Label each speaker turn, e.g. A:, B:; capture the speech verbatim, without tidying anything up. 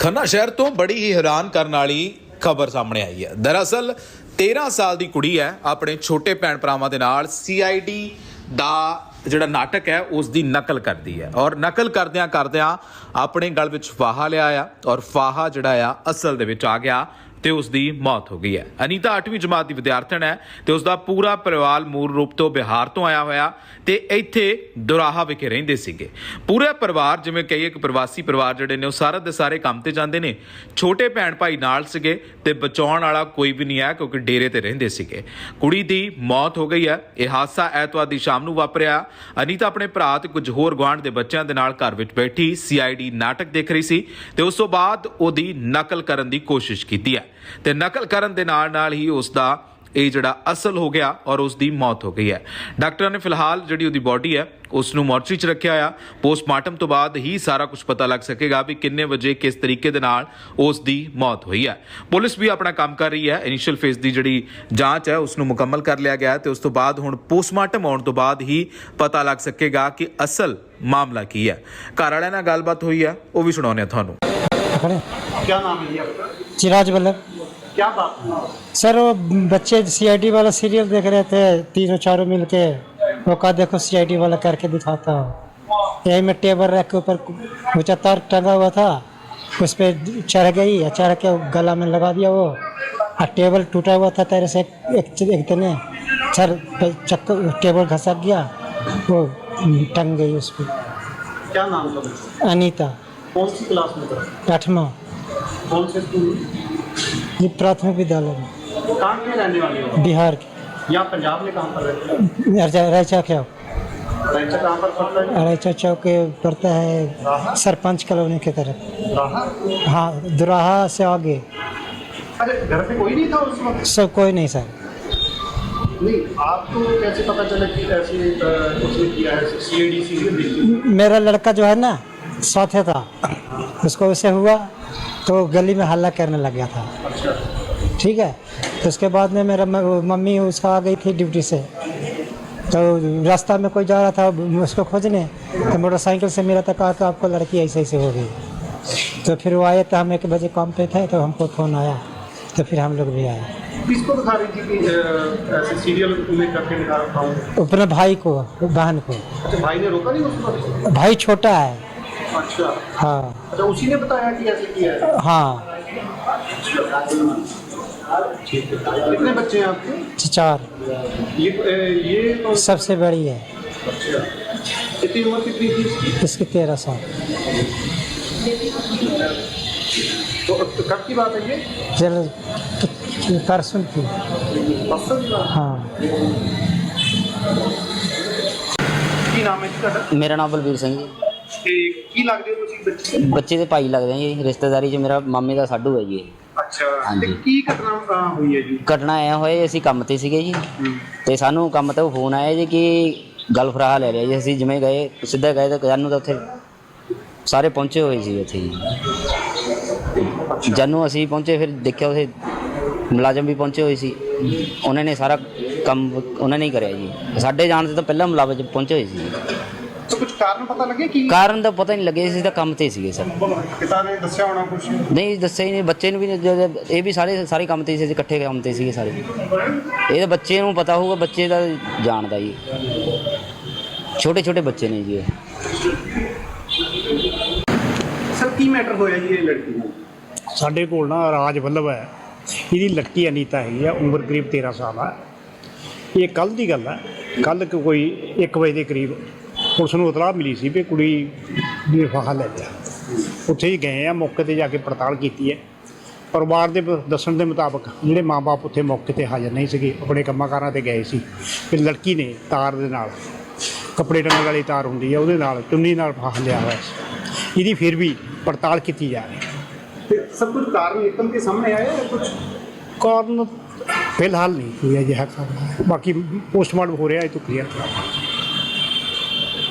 A: खन्ना शहर तो बड़ी ही हैरान करने वाली खबर सामने आई है। दरअसल तेरह साल की कुड़ी है अपने छोटे भैन भरावां दे नाल सी आई डी दा ਜਿਹੜਾ ਨਾਟਕ ਹੈ ਉਸ ਦੀ ਨਕਲ ਕਰਦੀ ਹੈ ਔਰ ਨਕਲ ਕਰਦਿਆਂ ਕਰਦਿਆਂ ਆਪਣੇ ਗਲ ਵਿੱਚ ਫਾਹਾ ਲਿਆ ਆ ਔਰ ਫਾਹਾ ਜਿਹੜਾ ਆ ਅਸਲ ਦੇ ਵਿੱਚ ਆ ਗਿਆ ਤੇ ਉਸ ਦੀ ਮੌਤ ਹੋ ਗਈ ਹੈ। ਅਨੀਤਾ ਅੱਠਵੀਂ ਜਮਾਤ ਦੀ ਵਿਦਿਆਰਥਣ ਹੈ ਤੇ ਉਸ ਦਾ ਪੂਰਾ ਪਰਿਵਾਰ ਮੂਲ ਰੂਪ ਤੋਂ ਬਿਹਾਰ ਤੋਂ ਆਇਆ ਹੋਇਆ ਤੇ ਇੱਥੇ ਦੁਰਾਹਾ ਵਿਖੇ ਰਹਿੰਦੇ ਸੀਗੇ। ਪੂਰਾ ਪਰਿਵਾਰ ਜਿਵੇਂ ਕਹੀਏ ਕਿ ਪ੍ਰਵਾਸੀ ਪਰਿਵਾਰ ਜਿਹੜੇ ਨੇ ਉਹ ਸਾਰੇ ਦੇ ਸਾਰੇ ਕੰਮ ਤੇ ਜਾਂਦੇ ਨੇ। ਛੋਟੇ ਭੈਣ ਭਾਈ ਨਾਲ ਸੀਗੇ ਤੇ ਬਚਾਉਣ ਵਾਲਾ ਕੋਈ ਵੀ ਨਹੀਂ ਹੈ ਕਿਉਂਕਿ ਡੇਰੇ ਤੇ ਰਹਿੰਦੇ ਸੀਗੇ। ਕੁੜੀ ਦੀ ਮੌਤ ਹੋ ਗਈ ਹੈ। ਇਹ ਹਾਦਸਾ ਐਤਵਾਰ ਦੀ ਸ਼ਾਮ ਨੂੰ ਵਾਪਰਿਆ। ਅਨੀਤਾ ਆਪਣੇ ਭਰਾ ਤੇ ਕੁਝ ਹੋਰ ਗੁਆਂਢ ਦੇ ਬੱਚਿਆਂ ਦੇ ਨਾਲ ਘਰ ਵਿੱਚ ਬੈਠੀ ਸੀ ਆਈ ਡੀ ਨਾਟਕ ਦੇਖ ਰਹੀ ਸੀ ਤੇ ਉਸ ਤੋਂ ਬਾਅਦ ਉਹਦੀ ਨਕਲ ਕਰਨ ਦੀ ਕੋਸ਼ਿਸ਼ ਕੀਤੀ ਹੈ ਤੇ ਨਕਲ ਕਰਨ ਦੇ ਨਾਲ ਨਾਲ ਹੀ ਉਸ ਦਾ ਇਹ ਜਿਹੜਾ ਅਸਲ ਹੋ ਗਿਆ ਔਰ ਉਸ ਦੀ ਮੌਤ ਹੋ ਗਈ ਹੈ। ਡਾਕਟਰਾਂ ਨੇ ਫਿਲਹਾਲ ਜਿਹੜੀ ਉਹਦੀ ਬੋਡੀ ਹੈ ਉਸ ਨੂੰ ਮੋਰਚਰੀ 'ਚ ਰੱਖਿਆ ਆ। ਪੋਸਟਮਾਰਟਮ ਤੋਂ ਬਾਅਦ ਹੀ ਸਾਰਾ ਕੁਝ ਪਤਾ ਲੱਗ ਸਕੇਗਾ ਵੀ ਕਿੰਨੇ ਵਜੇ ਕਿਸ ਤਰੀਕੇ ਦੇ ਨਾਲ ਉਸ ਦੀ ਮੌਤ ਹੋਈ ਹੈ। ਪੁਲਿਸ ਵੀ ਆਪਣਾ ਕੰਮ ਕਰ ਰਹੀ ਹੈ। ਇਨੀਸ਼ੀਅਲ ਫੇਜ਼ ਦੀ ਜਿਹੜੀ ਜਾਂਚ ਹੈ ਉਸ ਨੂੰ ਮੁਕੰਮਲ ਕਰ ਲਿਆ ਗਿਆ ਤੇ ਉਸ ਤੋਂ ਬਾਅਦ ਹੁਣ ਪੋਸਟਮਾਰਟਮ ਆਉਣ ਤੋਂ ਬਾਅਦ ਹੀ ਪਤਾ ਲੱਗ ਸਕੇਗਾ ਕਿ ਅਸਲ ਮਾਮਲਾ ਕੀ ਹੈ। ਘਰ ਵਾਲਿਆਂ ਨਾਲ ਗੱਲਬਾਤ ਹੋਈ ਹੈ ਉਹ ਵੀ ਸੁਣਾਉਂਦੇ ਆ ਤੁਹਾਨੂੰ।
B: क्या नाम है जी आपका?
C: चिराज वल्लभ।
B: क्या बात है?
C: सर वो बच्चे सी आई डी वाला सीरियल देख रहे थे तीनों चारों मिल के। वो कहा देखो सी आई डी वाला करके दिखाता हूँ। यही में टेबल रख के ऊपर ऊँचा तार टंगा हुआ था उस पर चढ़ गई। चढ़ के गला में लगा दिया वो और टेबल टूटा हुआ था तेरे से एक एक तने सर चक्कर टेबल घसक गया वो टंग गई उस पर।
B: क्या नाम था बच्चे?
C: अनीता।
B: कौन सी क्लास में था?
C: आठवां।
B: कौन से स्कूल में?
C: ये प्राथमिक विद्यालय में
B: कहाँ के रहने वाले हो?
C: बिहार के।
B: या पंजाब में कहाँ पर रहते हो?
C: रैचा क्या
B: रैचा कहाँ पर पड़ता है?
C: रैचा चौक के पड़ता है सरपंच कॉलोनी की तरफ।
B: राहा?
C: हाँ दुराहा से आगे।
B: अरे घर पे कोई नहीं था उस वक्त?
C: सब कोई नहीं सर।
B: नहीं, आपको कैसे पता चला कि ऐसे अ, उसने किया है सी आई डी सीरियल देखी?
C: मेरा लड़का जो है ना साथ था उसको वैसे हुआ तो गली में हल्ला करने लग गया था।
B: अच्छा।
C: ठीक है तो उसके बाद में मेरा मम्मी उसका आ गई थी ड्यूटी से तो रास्ता में कोई जा रहा था उसको खोजने तो मोटरसाइकिल से मिला था कहा कि आपको लड़की ऐसे ऐसे हो गई। तो फिर वो आए तो हम एक बजे काम पे थे तो हमको फ़ोन आया तो फिर हम लोग भी आए।
B: किसको दिखा रही थी कि अ, ऐसे सीरियल में करके दिखा रखा हूँ?
C: अपने भाई को बहन को।
B: अच्छा, भाई ने रोका नहीं उस वक्त?
C: भाई छोटा है।
B: अच्छा।
C: हाँ।
B: अच्छा, उसी ने बताया कि ऐसे किया है?
C: हाँ।
B: कितने बच्चे हैं आपके?
C: चार।
B: ये ए, ये तो
C: सबसे बड़ी है।
B: अच्छा। कितनी उम्र कितनी थी इसकी?
C: इसकी तेरह साल।
B: तो तो कब की बात है ये?
C: चलो परसों की।
B: परसों की बात?
C: हाँ।
B: ਕੀ ਨਾਮ ਹੈ ਜੀ ਤੁਹਾਡਾ?
D: ਮੇਰਾ ਨਾਮ ਬਲਬੀਰ ਸਿੰਘ ਜੀ।
B: ਤੇ ਕੀ ਲੱਗਦੇ ਹੋ ਤੁਸੀਂ ਬੱਚੇ?
D: ਬੱਚੇ ਦੇ ਭਾਈ ਲੱਗਦੇ ਆ ਜੀ। ਰਿਸ਼ਤੇਦਾਰੀ 'ਚ ਮੇਰਾ ਮਾਮੇ ਦਾ ਸਾਡੂ ਹੈ ਜੀ ਇਹ।
B: ਅੱਛਾ।
D: ਹਾਂਜੀ।
B: ਤੇ ਕੀ ਘਟਨਾ ਅ, ਹੋਈ ਹੈ ਜੀ?
D: ਘਟਨਾ ਐ ਹੋਏ ਅਸੀਂ ਕੰਮ ਤੇ ਸੀਗੇ ਜੀ ਤੇ ਸਾਨੂੰ ਕੰਮ ਤੋਂ ਫੋਨ ਆਇਆ ਜੀ ਕਿ ਗੱਲ ਫਰਾਹਾ ਲੈ ਲਿਆ ਜੀ। ਅਸੀਂ ਜਿਵੇਂ ਗਏ ਸਿੱਧਾ ਗਏ ਤਾਂ ਜਾਨੂੰ ਤਾਂ ਉੱਥੇ ਸਾਰੇ ਪਹੁੰਚੇ ਹੋਏ ਸੀ ਉੱਥੇ ਜੀ। ਜਾਨੂੰ ਅਸੀਂ ਪਹੁੰਚੇ ਫਿਰ ਦੇਖਿਆ ਉੱਥੇ ਮੁਲਾਜ਼ਮ ਵੀ ਪਹੁੰਚੇ ਹੋਏ ਸੀ। ਉਹਨਾਂ ਨੇ ਸਾਰਾ ਕੰਮ ਉਹਨਾਂ ਨੇ ਹੀ ਕਰਿਆ ਜੀ। ਸਾਡੇ ਜਾਣ ਤੋਂ ਤਾਂ ਪਹਿਲਾਂ ਮੁਲਾਜ਼ਮ ਪਹੁੰਚੇ ਹੋਏ ਸੀ।
B: ਤਾਂ ਕੁਝ ਕਾਰਨ ਪਤਾ ਲੱਗੇ ਕੀ
D: ਕਾਰਨ ਤਾਂ ਪਤਾ ਨਹੀਂ ਲੱਗੇ ਸੀ ਤਾਂ ਕੰਮ ਤੇ ਸੀਗੇ ਸਰ।
B: ਪਿਤਾ ਨੇ ਦੱਸਿਆ ਹੋਣਾ ਕੁਝ?
D: ਨਹੀਂ ਦੱਸਿਆ ਹੀ ਨਹੀਂ। ਬੱਚੇ ਨੂੰ ਵੀ ਨਹੀਂ- ਇਹ ਵੀ ਸਾਰੇ ਸਾਰੇ ਕੰਮ ਤੇ ਸੀ ਅਸੀਂ ਇਕੱਠੇ ਕੰਮ ਤੇ ਸੀਗੇ ਸਾਰੇ। ਇਹ ਤਾਂ ਬੱਚੇ ਨੂੰ ਪਤਾ ਹੋਊਗਾ ਬੱਚੇ ਦਾ ਜਾਣਦਾ ਜੀ। ਛੋਟੇ ਛੋਟੇ ਬੱਚੇ ਨੇ ਜੀ ਇਹ।
B: ਸਰ ਕੀ ਮੈਟਰ ਹੋਇਆ ਜੀ ਇਹ ਲੜਕੀ ਨਾਲ?
E: ਸਾਡੇ ਕੋਲ ਨਾ ਰਾਜ ਵੱਲਭ ਹੈ, ਇਹਦੀ ਲੜਕੀ ਅਨੀਤਾ ਹੈਗੀ ਆ, ਉਮਰ ਕਰੀਬ ਤੇਰ੍ਹਾਂ ਸਾਲ ਆ। ਇਹ ਕੱਲ੍ਹ ਦੀ ਗੱਲ ਹੈ। ਕੱਲ੍ਹ ਕੋਈ ਇੱਕ ਵਜੇ ਦੇ ਕਰੀਬ ਪੁਲਿਸ ਨੂੰ ਇਤਲਾਹ ਮਿਲੀ ਸੀ ਵੀ ਕੁੜੀ ਨੇ ਫਾਹਾ ਲੈ ਲਿਆ। ਉੱਥੇ ਹੀ ਗਏ ਆ, ਮੌਕੇ 'ਤੇ ਜਾ ਕੇ ਪੜਤਾਲ ਕੀਤੀ ਹੈ। ਪਰਿਵਾਰ ਦੇ ਦੱਸਣ ਦੇ ਮੁਤਾਬਕ ਜਿਹੜੇ ਮਾਂ ਬਾਪ ਉੱਥੇ ਮੌਕੇ 'ਤੇ ਹਾਜ਼ਰ ਨਹੀਂ ਸੀਗੇ, ਆਪਣੇ ਕੰਮਾਂ ਕਾਰਾਂ 'ਤੇ ਗਏ ਸੀ ਕਿ ਲੜਕੀ ਨੇ ਤਾਰ ਦੇ ਨਾਲ, ਕੱਪੜੇ ਟੰਗਣ ਵਾਲੀ ਤਾਰ ਹੁੰਦੀ ਹੈ ਉਹਦੇ ਨਾਲ ਚੁੰਨੀ ਨਾਲ ਫਾਹਾ ਲਿਆ ਹੋਇਆ ਸੀ। ਇਹਦੀ ਫਿਰ ਵੀ ਪੜਤਾਲ ਕੀਤੀ ਜਾ ਰਹੀ ਹੈ।
B: ਤੇ ਸਭ ਕੁਝ ਕਾਰਨ ਨਿਕਲ ਕੇ ਸਾਹਮਣੇ ਆਇਆ ਜਾਂ ਕੁਝ?
E: ਕਾਰਨ ਫਿਲਹਾਲ ਨਹੀਂ ਕੋਈ ਅਜਿਹਾ ਕਾਰਨ ਹੈ। ਬਾਕੀ ਪੋਸਟਮਾਰਟਮ ਹੋ ਰਿਹਾ ਇਹ ਤੋਂ ਕਲੀਅਰ